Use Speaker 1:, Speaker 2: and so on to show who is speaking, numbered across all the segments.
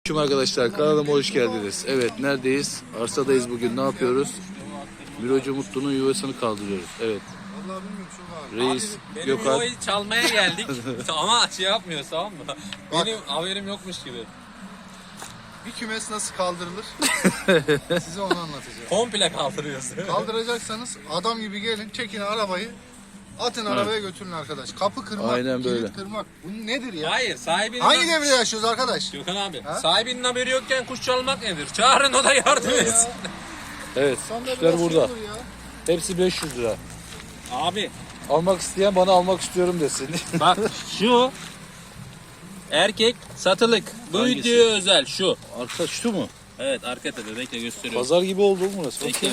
Speaker 1: Arkadaşlar kanalıma hoş geldiniz. Evet, neredeyiz? Arsadayız bugün. Ne yapıyoruz? Mirocu Mutlu'nun yuvasını kaldırıyoruz. Evet. Reis
Speaker 2: Benim
Speaker 1: Gökhan.
Speaker 2: yuvayı çalmaya geldik ama şey yapmıyor, tamam mı? Benim haberim yokmuş gibi.
Speaker 3: Bir kümes nasıl kaldırılır? Size onu anlatacağım.
Speaker 2: Komple kaldırıyorsun.
Speaker 3: Kaldıracaksanız adam gibi gelin, çekin arabayı, atın arabaya götürün arkadaş. Kapı kırmak,
Speaker 1: Aynen böyle.
Speaker 3: kilit kırmak. Bu nedir ya?
Speaker 2: Hayır, sahibinin...
Speaker 3: Hangi devirde yaşıyoruz arkadaş?
Speaker 2: Gökhan abi,
Speaker 3: Ha?
Speaker 2: sahibinin haberi yokken kuş çalmak nedir? Çağırın, o da yardım etsin.
Speaker 1: Evet,
Speaker 3: İnsanlar
Speaker 1: kuşlar
Speaker 3: biraz
Speaker 1: burada.
Speaker 3: şey olur ya.
Speaker 1: Hepsi 500 lira.
Speaker 2: Abi,
Speaker 1: Almak isteyen bana almak istiyorum desin.
Speaker 2: bak şu erkek satılık. Bu
Speaker 1: Hangisi?
Speaker 2: videoya özel şu.
Speaker 1: Arka şu mu?
Speaker 2: Evet, arka tepe, bekle gösteriyorum.
Speaker 1: Pazar gibi oldu mu burası?
Speaker 2: Bekle.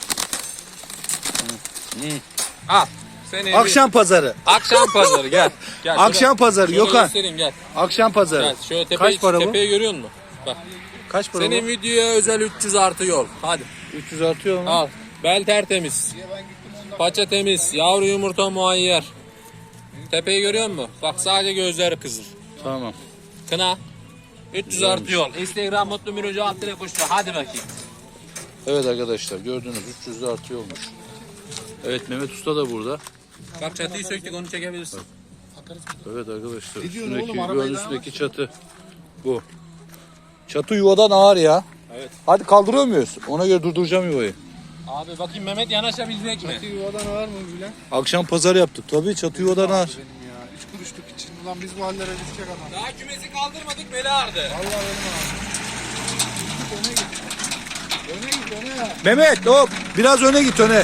Speaker 2: Al. Seni
Speaker 1: Akşam pazarı.
Speaker 2: Akşam pazarı gel. Gel
Speaker 1: Akşam
Speaker 2: şöyle-
Speaker 1: pazarı
Speaker 2: şöyle
Speaker 1: Gökhan.
Speaker 2: göstereyim, gel.
Speaker 1: Akşam pazarı.
Speaker 2: Gel şöyle
Speaker 1: Kaç para bu?
Speaker 2: tepeyi görüyor musun? Bak.
Speaker 1: Kaç para
Speaker 2: Senin
Speaker 1: bu?
Speaker 2: videoya özel 300 artı yol. Hadi
Speaker 1: 300 artıyor mu?
Speaker 2: al. Bel tertemiz. Paça temiz. Yavru yumurta muayyer. Tepeyi görüyor musun? Bak sadece gözleri kızıl.
Speaker 1: Tamam.
Speaker 2: Kına. 300 artı yol. Instagram Mutlu Mirocu Abdile Kuşlu. Hadi bakayım.
Speaker 1: Evet arkadaşlar, gördünüz 300 de artıyor olmuş. Evet, Mehmet Usta da burada.
Speaker 2: Bak çatıyı söktük, onu çekebilirsin.
Speaker 1: Evet arkadaşlar,
Speaker 3: Ne diyorsun
Speaker 1: üstündeki,
Speaker 3: oğlum, arabayı
Speaker 1: yuvanın
Speaker 3: daha
Speaker 1: üstündeki çatı bu. Çatı yuvadan ağır ya.
Speaker 2: Evet.
Speaker 1: Hadi kaldırıyor muyuz? Ona göre durduracağım yuvayı.
Speaker 2: Abi bakayım Mehmet yanaşabilecek mi?
Speaker 3: Bir yuvadan var mı Bülent?
Speaker 1: Akşam pazar yaptık. Tabii çatı yuvadan ağır.
Speaker 3: Benim ya. 3 kuruşluk için. Ulan biz bu hallere düşecek adam.
Speaker 2: Daha kümesi kaldırmadık, beli ağrıdı.
Speaker 3: Allah benim abi. Öne git. Öne git öne.
Speaker 1: Mehmet hop biraz öne git öne.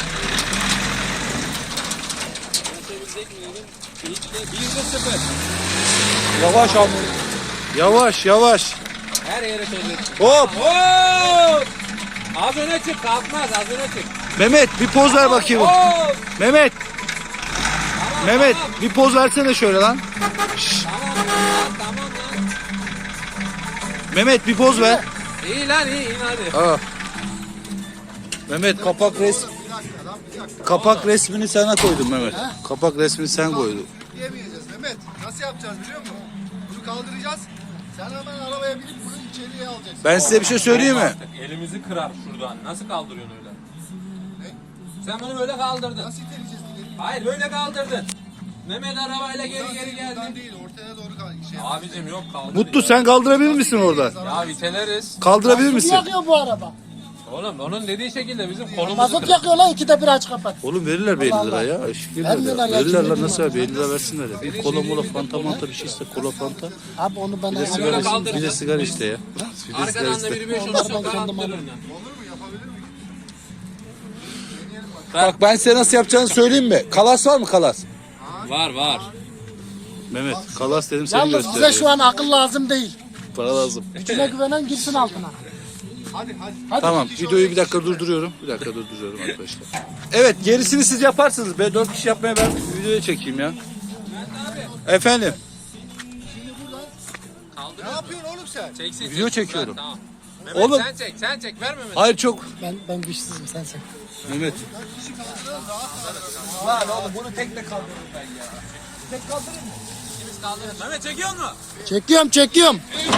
Speaker 2: Yanaşabilecek mi dedim. İlk de 1-0.
Speaker 1: Yavaş abi. Yavaş yavaş.
Speaker 2: Her yere söyledim.
Speaker 1: Hop.
Speaker 2: Hop! Az öne çık, kalkmaz, az öne çık.
Speaker 1: Mehmet bir poz ver bakayım.
Speaker 2: Hop!
Speaker 1: Mehmet.
Speaker 2: Tamam,
Speaker 1: Mehmet
Speaker 2: tamam.
Speaker 1: bir poz versene şöyle lan.
Speaker 2: Tamam lan.
Speaker 1: Mehmet bir poz ver.
Speaker 2: İyi lan, iyi hadi.
Speaker 1: Aa. Mehmet kapak resmini sana koydum Mehmet. Kapak resmini sen koydun.
Speaker 3: Diyemeyeceğiz Mehmet. Nasıl yapacağız biliyor musun? Bunu kaldıracağız. Sen hemen arabaya binip bunu içeriye alacaksın.
Speaker 1: Ben size bir şey söyleyeyim mi?
Speaker 2: Artık elimizi kırar şuradan. Nasıl kaldırıyorsun öyle? Sen bunu böyle kaldırdın.
Speaker 3: Nasıl iteleyeceğiz ileri?
Speaker 2: Hayır, böyle kaldırdın. Mehmet arabayla geri
Speaker 3: Buradan
Speaker 2: geldi.
Speaker 3: değil, ortaya doğru şey.
Speaker 2: Abicim yok, kaldır.
Speaker 1: Mutlu sen kaldırabilir misin oradan?
Speaker 2: Ya viteleriz.
Speaker 1: Kaldırabilir misin?
Speaker 4: Yakıyor bu araba.
Speaker 2: Oğlum onun dediği şekilde bizim kolumuzu
Speaker 4: Mazot
Speaker 2: kırar.
Speaker 4: yakıyor lan, ikide bir aç kapat.
Speaker 1: Oğlum verirler 50 lira ya. Eşlik ederler.
Speaker 4: Vermiyorlar ya,
Speaker 1: Verirler
Speaker 4: kim
Speaker 1: lan nasıl
Speaker 4: veriyor?
Speaker 1: abi 50 lira versinler ya. Bir kola mola fanta manta bir şey iste kola fanta.
Speaker 4: Abi onu bana
Speaker 1: Bir de sigara,
Speaker 2: kaldırın.
Speaker 1: bir de sigara iste ya. Bir de sigara
Speaker 2: Arkadan da
Speaker 1: iste.
Speaker 2: biri 5
Speaker 4: Onları
Speaker 2: olursa
Speaker 4: ben kendim
Speaker 2: kaldırır.
Speaker 4: alırım.
Speaker 1: Bak ben size nasıl yapacağını söyleyeyim mi? Kalas var mı kalas?
Speaker 2: Var.
Speaker 1: Mehmet kalas dedim seni
Speaker 4: Yalnız
Speaker 1: gösteriyor.
Speaker 4: bize şu an akıl lazım değil.
Speaker 1: Para lazım.
Speaker 4: Gücüne güvenen girsin altına.
Speaker 3: Hadi.
Speaker 1: Tamam videoyu bir dakika durduruyorum. Bir dakika durduruyorum arkadaşlar. Evet gerisini siz yaparsınız be. 4 kişi yapmaya ben videoya çekeyim ya. Efendim
Speaker 3: Ne yapıyorsun oğlum sen?
Speaker 2: Çeksin.
Speaker 1: Video çekiyorum.
Speaker 2: Tamam. Mehmet
Speaker 1: Oğlum.
Speaker 2: sen çek ver Mehmet.
Speaker 1: hayır çok.
Speaker 4: Ben güçsüzüm, sen.
Speaker 1: Mehmet
Speaker 2: Lan oğlum bunu tek de kaldırırım ben ya. Tek kaldırır mı? İkimiz kaldırırız. Mehmet çekiyor mu?
Speaker 4: Çekiyorum.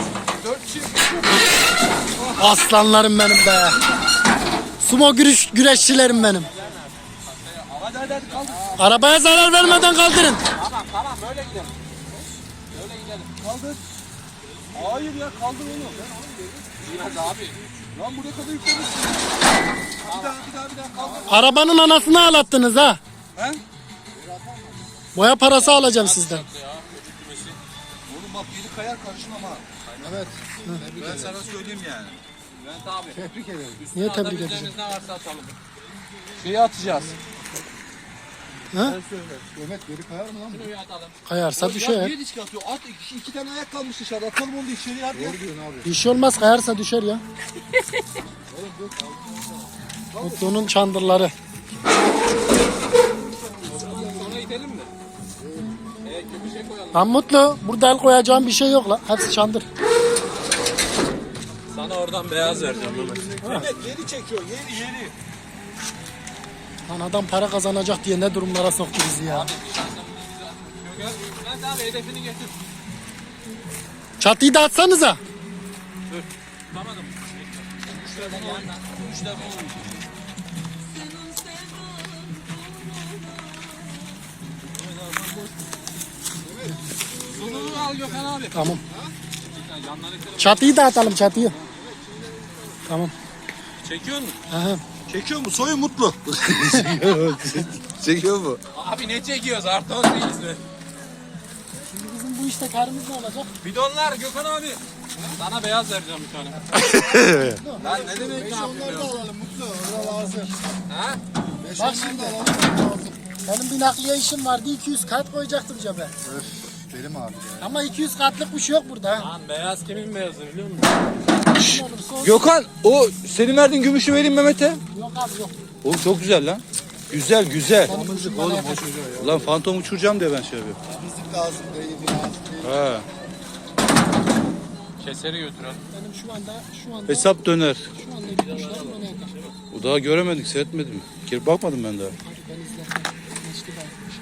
Speaker 4: Aslanlarım benim be. Sumo güreşçilerim benim.
Speaker 2: Hadi kaldır.
Speaker 4: Arabaya zarar vermeden kaldırın.
Speaker 2: Tamam böyle gidelim. Böyle gidelim. Kaldır. Hayır ya kaldır onu. Biraz abi. Lan buraya kadar yüklemişsin. Bir daha kaldır.
Speaker 4: Arabanın anasını ağlattınız ha.
Speaker 2: He?
Speaker 4: Boya parası alacağım sizden.
Speaker 5: Oğlum bak yeri kayar karışmam ha.
Speaker 3: Evet.
Speaker 5: Ben sana söyleyeyim yani.
Speaker 2: Bülent abi.
Speaker 3: Tebrik ederim.
Speaker 4: Niye tebrik
Speaker 2: Atabileceğimiz
Speaker 4: edeceğim?
Speaker 2: ne varsa atalım.
Speaker 1: şeyi atacağız.
Speaker 3: Mehmet geri kayar mı lan?
Speaker 2: Şuraya atalım.
Speaker 4: Kayarsa
Speaker 5: Ya
Speaker 4: düşer.
Speaker 5: niye disk atıyor? At iki tane ayak kalmış dışarıda. Atalım onu da içeriye hadi.
Speaker 3: Doğru diyorsun abi.
Speaker 4: Bir şey olmaz, kayarsa düşer ya. Mutlu'nun çandırları.
Speaker 2: Sonra gidelim mi? Köpüşe koyalım.
Speaker 4: Lan Mutlu, burada el koyacağım bir şey yok lan. Hepsi çandır.
Speaker 2: Sana oradan beyaz vereceğim Mehmet.
Speaker 5: Mehmet yeri çekiyor yeri.
Speaker 4: Lan adam para kazanacak diye ne durumlara soktu bizi ya.
Speaker 2: Bülent abi hedefini getir.
Speaker 4: Çatıyı da atsanıza.
Speaker 5: Tutamadım. Üçler bunu oyun. Üçler bunu oyun. Sonunu al Gökhan abi.
Speaker 4: Tamam.
Speaker 5: Yanlardakileri
Speaker 4: Çatıyı da atalım çatıyı. Tamam.
Speaker 5: çekiyor musun?
Speaker 4: Aha.
Speaker 2: Çekiyor mu? Soyu mutlu.
Speaker 1: Çekiyor mu?
Speaker 5: Abi ne çekiyoruz? Artı 18 mi?
Speaker 4: Şimdi bizim bu işte karımız ne olacak?
Speaker 5: Bidonlar Gökhan abi. Sana beyaz vereceğim bir tane. Lan ne demek ne
Speaker 3: Onları da
Speaker 5: yapıyorsun?
Speaker 3: alalım Mutlu. Orada lazım.
Speaker 5: Ha?
Speaker 4: Bak şimdi. Benim bir nakliye işim vardı. 200 kart koyacaktım cebe.
Speaker 3: Öf, benim abi ya.
Speaker 4: Ama 200 kartlık bir şey yok burada. Ha.
Speaker 5: Lan beyaz kimin beyazı biliyor musun?
Speaker 4: Kim olursa olsun.
Speaker 1: Gökhan o senin verdiğin gümüşü vereyim Mehmet'e.
Speaker 4: Yok abi yok.
Speaker 1: Oğlum çok güzel lan. Güzel güzel.
Speaker 4: Benim oğlum
Speaker 1: Ulan fantom uçuracağım diye ben şey yapıyorum.
Speaker 3: Temizlik lazım değil, lazım değil.
Speaker 1: Ha.
Speaker 5: Keseri götürelim.
Speaker 4: Benim şu anda
Speaker 1: Hesap döner.
Speaker 4: şu anda gümüşlerim bana yeter.
Speaker 1: O daha göremedik, seyretmedim. Girip bakmadım ben daha.
Speaker 4: Hadi ben izledim. Geçti bakmış.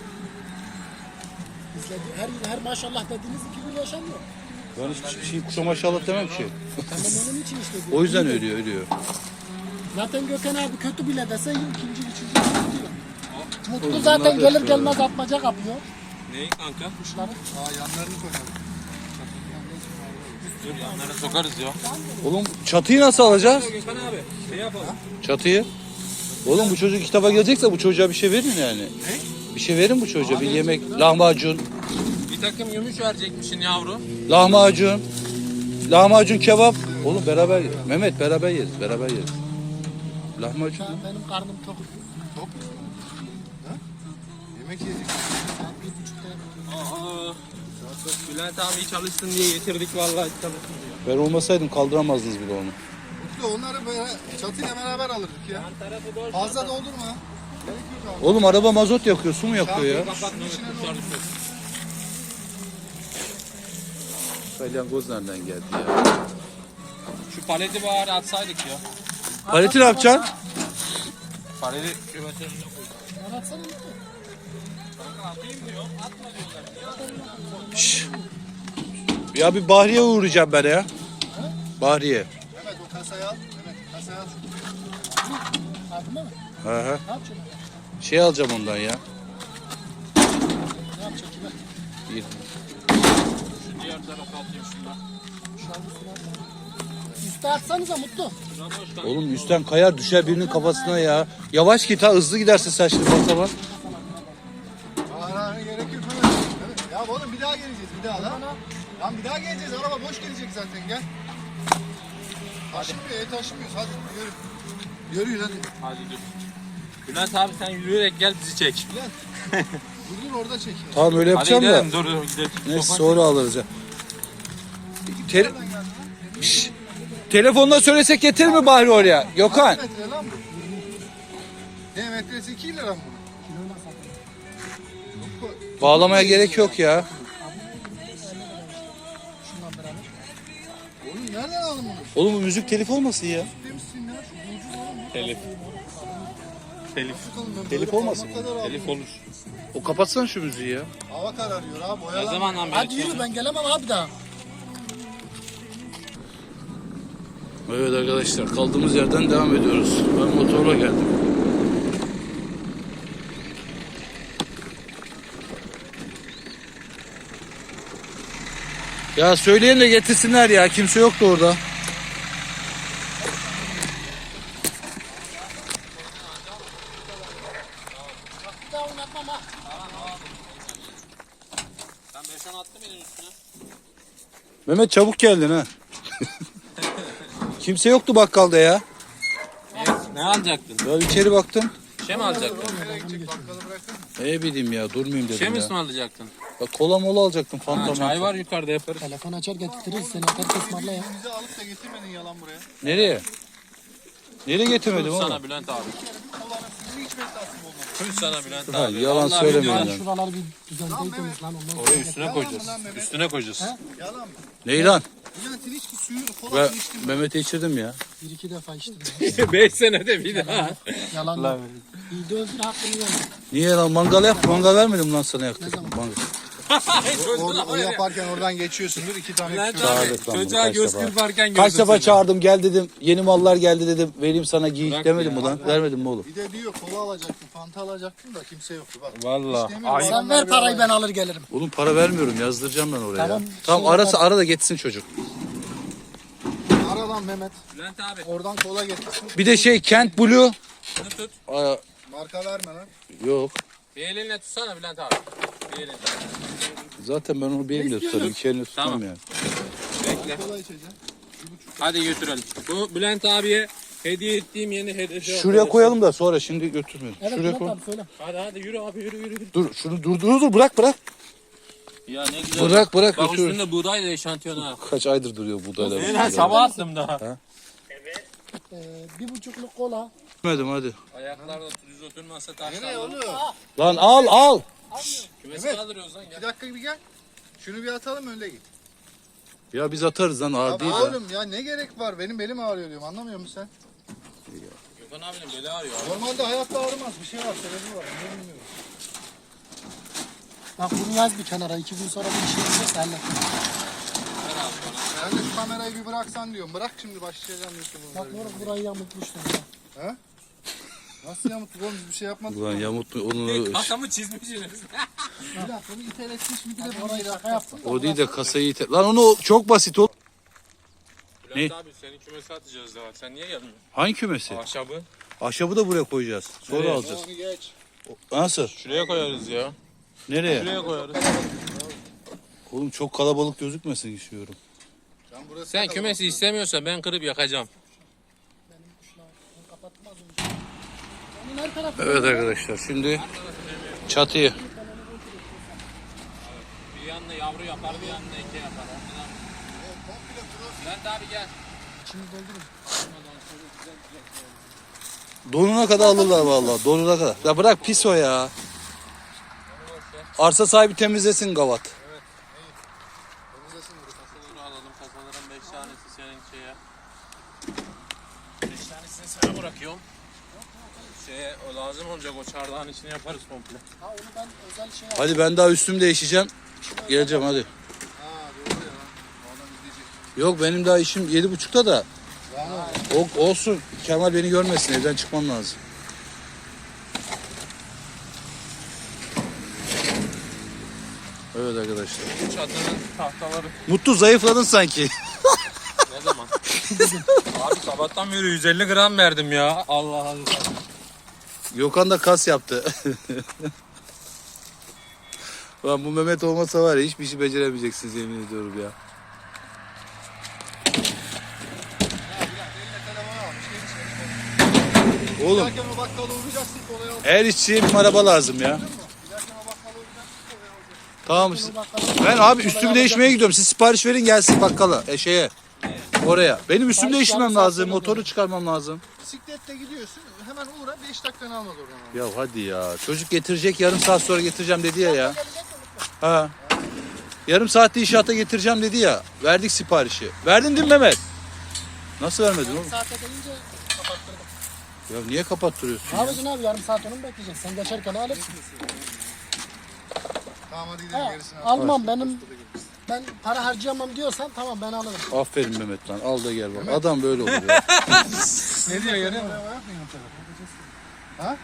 Speaker 4: İzledi. Her maşallah dediğiniz iki gün yaşamıyor.
Speaker 1: Ben hiçbir şey kuşa maşallah demem ki.
Speaker 4: Tamam onun için işte.
Speaker 1: O yüzden ölüyor.
Speaker 4: Zaten Gökhan abi kötü bile dese ikinci, üçüncü diyor. Mutlu zaten gelir gelmez atmaca kapıyor
Speaker 5: Neyi kanka?
Speaker 4: kuşları.
Speaker 3: Aa yanlarını koyalım.
Speaker 5: Dur yanlara sokarız ya.
Speaker 1: Oğlum çatıyı nasıl alacağız?
Speaker 5: Gökhan abi şey yapalım.
Speaker 1: Çatıyı. Oğlum bu çocuk kitaba gelecekse bu çocuğa bir şey verin yani. Ne? Bir şey verin bu çocuğa. Bir yemek, lahmacun.
Speaker 5: Bir takım gümüş verecekmişsin yavru.
Speaker 1: Lahmacun. Lahmacun kebap. Oğlum beraber yeriz. Mehmet beraber yeriz. Beraber yeriz. Lahmacun.
Speaker 4: Ya benim karnım tok.
Speaker 3: Top. Ha? Yemek yedik.
Speaker 4: Saat 1.30'da
Speaker 5: Aa. Bülent abi iyi çalışsın diye getirdik vallahi çalışsın diye.
Speaker 1: Ben olmasaydım kaldıramazdınız bile onu.
Speaker 3: Mutlu onları böyle çatıyla beraber alırdık ya. Fazla doldurma. Gerek yok abi.
Speaker 1: Oğlum araba mazot yakıyor, su mu yakıyor ya?
Speaker 5: Kapat Mehmet kuşlar düşüyor.
Speaker 1: Salyangoz nereden geldi ya?
Speaker 5: Şu paleti bari atsaydık ya.
Speaker 1: Paleti ne yapacaksın?
Speaker 5: Paleti kümesin önüne koy.
Speaker 4: ben atsana Mutlu.
Speaker 5: Kanka atayım diyor. Atma diyorlar.
Speaker 1: Şşş. Ya bir Bahriye uğrayacağım ben ya. Bahriye.
Speaker 3: Mehmet o kasayı al. Mehmet kasayı al.
Speaker 4: Abime mi?
Speaker 1: Hı hı.
Speaker 4: Ne yapacaksın?
Speaker 1: Şey alacağım ondan ya.
Speaker 4: Ne yapacaksın kime?
Speaker 1: Bir.
Speaker 5: Şu diğer tarafa atayım şundan.
Speaker 4: Şu an üstüne atma. Üste atsanıza Mutlu.
Speaker 5: Şuna boş kanka.
Speaker 1: Oğlum üstten kayar düşer birinin kafasına ya. Yavaş git ha, hızlı gidersin sen şimdi basa bas.
Speaker 3: Aa gerek yok Mehmet. Evet. Ya oğlum bir daha geleceğiz bir daha lan. Lan bir daha geleceğiz. Araba boş gelecek zaten gel. Taşımıyor, taşımıyoruz. Hadi yürü. Yürüyün hadi.
Speaker 5: Hadi dur. Bülent abi sen yürüyerek gel bizi çek.
Speaker 3: Dur orada çek.
Speaker 1: Tamam öyle
Speaker 5: Hadi
Speaker 1: yapacağım da.
Speaker 5: gidelim dur gidelim.
Speaker 1: Neyse sonra alırız ya. Şşş. Telefonla söylesek getir mi Bahri oraya? Gökhan.
Speaker 3: Kaç metre lan bu? Ne metresi 2 lira mı?
Speaker 1: Bağlamaya gerek yok ya.
Speaker 3: Oğlum nereden aldın bunu?
Speaker 1: Oğlum bu müzik telif olmasın ya.
Speaker 3: Demişsin ya. Şu ucuz oğlum.
Speaker 5: Telif. Telif.
Speaker 3: Bakalım ben
Speaker 1: Telif
Speaker 3: böyle
Speaker 1: olmasın
Speaker 3: parmak kadar aldım.
Speaker 5: Telif olur.
Speaker 1: O kapatsana şu müziği ya.
Speaker 3: Hava kararıyor abi.
Speaker 5: Ne
Speaker 3: Boyalan.
Speaker 5: zamandan beri
Speaker 4: Hadi yürü ben gelemem abi daha.
Speaker 1: Evet arkadaşlar kaldığımız yerden devam ediyoruz. Ben motorla geldim. Ya söyleyin de getirsinler ya. Kimse yoktu orada.
Speaker 4: Bir daha oynatmam ha.
Speaker 5: Sen 5-10 attı mıydın üstüne?
Speaker 1: Mehmet çabuk geldin ha. Kimse yoktu bakkalda ya.
Speaker 5: Ne alacaktın?
Speaker 1: Ben içeri baktım.
Speaker 5: Şey mi alacaktın?
Speaker 1: Ne bileyim ya, durmayayım
Speaker 5: Şey
Speaker 1: dedim
Speaker 5: mi
Speaker 1: ya.
Speaker 5: ısmarlayacaktın?
Speaker 1: Bak kola mola alacaktım,
Speaker 5: Ha,
Speaker 1: fanta
Speaker 5: çay
Speaker 1: manta.
Speaker 5: var yukarıda yaparız.
Speaker 4: Telefon açar getiririz seni herkes ısmarla ya.
Speaker 3: Bizi alıp da getirmedin yalan buraya.
Speaker 1: Nereye? Nereye getirmedim
Speaker 5: Kız
Speaker 1: oğlum?
Speaker 5: sana Bülent abi.
Speaker 3: Kolanın suyunu içmek nasip olmaz.
Speaker 5: Kız sana Bülent
Speaker 1: Ha,
Speaker 5: abi.
Speaker 1: yalan
Speaker 5: Vallahi
Speaker 1: söyleme
Speaker 5: biliyorum.
Speaker 1: lan.
Speaker 4: Şuraları bir düzenleyin lan ondan
Speaker 5: Oraya
Speaker 4: sonra.
Speaker 5: üstüne koyacağız. Üstüne koyacağız.
Speaker 3: Yalan mı?
Speaker 1: Ney lan?
Speaker 3: Bülent'in içki suyunu
Speaker 1: Ben
Speaker 3: kolanın içtim.
Speaker 1: Mehmet'e içirdim ya.
Speaker 4: Bir iki defa içtim.
Speaker 5: 5 senede bir daha.
Speaker 4: Yalan yok. İyi de öldür hakkını yeme.
Speaker 1: Niye lan, mangal yap, mangal vermedim lan sana yaktık.
Speaker 4: Ne zaman?
Speaker 1: Mangal.
Speaker 3: O yaparken oradan geçiyorsundur. 2 tane
Speaker 5: Bülent
Speaker 3: küçük.
Speaker 5: abi
Speaker 1: Çağırdık lan bunu
Speaker 5: çocuğa
Speaker 1: kaç
Speaker 5: göz
Speaker 1: defa.
Speaker 5: kırparken
Speaker 1: Kaç
Speaker 5: gördüm
Speaker 1: defa
Speaker 5: seni.
Speaker 1: çağırdım gel dedim. Yeni mallar geldi dedim. Vereyim sana giy
Speaker 5: Bırak
Speaker 1: demedim
Speaker 5: ya.
Speaker 1: mi lan? Vermedim mi oğlum?
Speaker 3: Bir de diyor kola alacaktım, fanta alacaktım da kimse yoktu bak.
Speaker 5: Valla.
Speaker 3: Hiç demiyorum,
Speaker 4: Sen
Speaker 3: adamlar
Speaker 4: ver
Speaker 3: bir
Speaker 4: parayı
Speaker 3: alay-
Speaker 4: ben alır gelirim.
Speaker 1: Oğlum para vermiyorum yazdıracağım ben oraya.
Speaker 4: Tamam,
Speaker 1: Tamam
Speaker 4: şey
Speaker 1: arası
Speaker 4: yapar.
Speaker 1: ara da geçsin çocuk.
Speaker 3: Ara lan Mehmet.
Speaker 5: Bülent abi
Speaker 3: Oradan kola getirsin.
Speaker 1: Bir de şey Kent Blue.
Speaker 5: bunu tut.
Speaker 1: Aa,
Speaker 3: Marka verme lan.
Speaker 1: yok.
Speaker 5: Bir elinle tutsana Bülent abi. Bir elinle.
Speaker 1: Zaten ben onu bir elimle tutarım. İki elimle tutmam
Speaker 5: Tamam.
Speaker 1: yani.
Speaker 5: Bekle.
Speaker 3: Kola içeceğim.
Speaker 5: Hadi götürelim. Bu Bülent abiye hediye ettiğim yeni hediye.
Speaker 1: Şuraya koyalım da sonra şimdi götürmeyelim.
Speaker 4: Evet
Speaker 1: Şuraya
Speaker 4: Murat
Speaker 1: koy.
Speaker 4: abi söyle.
Speaker 5: Hadi yürü abi yürü.
Speaker 1: Dur şunu dur bırak.
Speaker 5: Ya ne güzel.
Speaker 1: Bırak
Speaker 5: Bak
Speaker 1: götür.
Speaker 5: üstünde buğday da eşantiyon ha.
Speaker 1: Kaç aydır duruyor buğdaylar.
Speaker 5: Ben sabah attım daha.
Speaker 4: 1,5'luk kola.
Speaker 1: Gitmedim hadi.
Speaker 5: Ayaklarda düz oturmasa
Speaker 3: Nereye
Speaker 5: taşlar.
Speaker 3: oğlum?
Speaker 1: Lan al.
Speaker 5: Kümesi
Speaker 3: Evet.
Speaker 5: kaldırıyoruz lan gel.
Speaker 3: Bir dakika bir gel. Şunu bir atalım öyle git.
Speaker 1: Ya biz atarız lan ağır
Speaker 3: Ya
Speaker 1: değil de.
Speaker 3: oğlum ya ne gerek var? Benim belim ağrıyor diyorum. Anlamıyor musun sen?
Speaker 5: Gökhan abinin beli ağrıyor.
Speaker 3: Normalde hayatta ağrımaz. Bir şey var. Sebebi var. Ne bilmiyorum.
Speaker 4: Bak bunu yaz bir kenara. 2 gün sonra bir şey olursa hallet.
Speaker 3: Ben de şu kamerayı bir bıraksan diyorum. Bırak şimdi başlayacağım YouTube'a.
Speaker 4: Bak Murat burayı yamultmuştum ya.
Speaker 3: Ha? Nasıl yamuttuk oğlum? Biz bir şey yapmadık.
Speaker 1: Ulan Yamut mu onu
Speaker 5: Kasamı çizmişsiniz.
Speaker 3: Bir dakika bunu iteletmiş mi? Bir de
Speaker 4: Bak
Speaker 3: bunu
Speaker 4: orayı şaka yaptım da.
Speaker 1: o değil de kasayı ite. Lan onu çok basit o.
Speaker 5: Bülent abi senin kümesi atacağız daha. Sen niye gelmiyorsun?
Speaker 1: Hangi kümesi?
Speaker 5: Ahşabı.
Speaker 1: Ahşabı da buraya koyacağız. Sonra
Speaker 5: Nereye?
Speaker 1: alacağız.
Speaker 3: Onu geç.
Speaker 1: Nasıl?
Speaker 5: Şuraya koyarız ya.
Speaker 1: Nereye?
Speaker 5: Şuraya koyarız.
Speaker 1: Oğlum çok kalabalık gözükmesin istiyorum.
Speaker 3: Sen burası
Speaker 5: Sen kümesi istemiyorsan ben kırıp yakacağım.
Speaker 4: Onun her tarafı
Speaker 1: Evet arkadaşlar şimdi çatıyı.
Speaker 5: Bir yanına yavru yapar, bir yanına eke yapar. Ondan... Bülent abi gel.
Speaker 4: içini doldurun.
Speaker 1: Donuna kadar alırlar vallahi. Donuna kadar. Ya bırak pis o ya. Arsa sahibi temizlesin gavat.
Speaker 5: Kasaları alalım. Kasaların 5 tanesi senin şeye. 5 tanesini sana bırakıyorum. Şeye o lazım olacak o çardağın içine yaparız komple.
Speaker 4: Ha onu ben özel şey yaptım.
Speaker 1: Hadi ben daha üstümü değişeceğim. Geleceğim hadi.
Speaker 3: Ha doğru ya. O adam izleyecek.
Speaker 1: Yok benim daha işim 7.30'da da. Olsun. Kemal beni görmesin. Evden çıkmam lazım. Evet arkadaşlar.
Speaker 5: Bu çatının tahtaları
Speaker 1: Mutlu zayıfladın sanki.
Speaker 5: ne zaman? Abi sabahtan beri 150 gram verdim ya. Allah Allah.
Speaker 1: Gökhan da kas yaptı. Lan bu Mehmet olmasa var ya hiçbir işi beceremeyeceksiniz yemin ediyorum ya. Oğlum
Speaker 3: Giderken o bakkala uğrayacaksın kolayı al.
Speaker 1: her işçiye bir araba lazım ya.
Speaker 3: Giderken o bakkala uğrayacaksın kolayı al.
Speaker 1: Tamam.
Speaker 4: Bakalım.
Speaker 1: Ben abi üstümü değişmeye gidiyorum. Siz sipariş verin gelsin bakkala. Şeye. Oraya. Benim üstümü
Speaker 4: Sipariş
Speaker 1: değiştirmem
Speaker 4: yarım saat
Speaker 1: lazım.
Speaker 4: sonra
Speaker 1: Motoru çıkarmam lazım.
Speaker 3: Bisikletle gidiyorsun. Hemen uğra 5 dakikanı almaz oradan.
Speaker 1: Ya hadi ya. Çocuk getirecek yarım saat sonra getireceğim dedi ya. Ha. Yarım saatte inşaata getireceğim dedi ya. Verdik siparişi. Verdin değil mi Mehmet? Nasıl vermedin oğlum?
Speaker 4: Saate gelince kapattırdım.
Speaker 1: Ya niye kapattırıyorsun
Speaker 4: Ne
Speaker 1: ya?
Speaker 4: yapacaksın abi yarım saat onu mu bekleyeceksin? Sen geçerken alırsın.
Speaker 3: Tamam hadi gidelim
Speaker 4: Ha,
Speaker 3: gerisini al.
Speaker 4: almam ben para harcayamam diyorsan tamam ben alırım.
Speaker 1: Aferin Mehmet lan. Al da gel bak. Adam böyle olur ya.
Speaker 3: Ne diyor görüyor musun? Ha?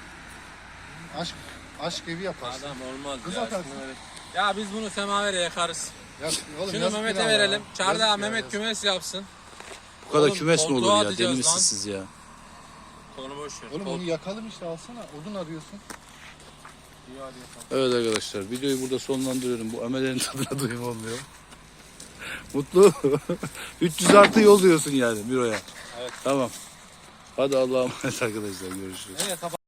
Speaker 3: Aşk evi yaparsın.
Speaker 5: Adam olmaz
Speaker 3: Kız
Speaker 5: ya.
Speaker 3: atarsın.
Speaker 5: Ya biz bunu semavere yakarız.
Speaker 3: Ya, oğlum,
Speaker 5: Şunu
Speaker 3: yazık
Speaker 5: Mehmet'e
Speaker 3: günah
Speaker 5: verelim.
Speaker 3: ya.
Speaker 5: Çardağa
Speaker 3: Yazık ya,
Speaker 5: Mehmet
Speaker 3: yazık.
Speaker 5: kümes yapsın.
Speaker 1: Bu kadar
Speaker 5: Oğlum,
Speaker 1: kümes mi olur
Speaker 5: koltuğa
Speaker 1: ya?
Speaker 5: atacağız
Speaker 1: Deli misiniz
Speaker 5: lan.
Speaker 1: siz ya?
Speaker 5: Onu boş ver.
Speaker 3: Oğlum onu yakalım işte alsana. Odun arıyorsun.
Speaker 1: Evet arkadaşlar videoyu burada sonlandırıyorum. Bu amelerin tadına doyum olmuyor. Mutlu. 300 artı yol diyorsun yani büroya.
Speaker 5: Evet.
Speaker 1: Tamam. Hadi Allah'a emanet arkadaşlar görüşürüz.
Speaker 5: Evet,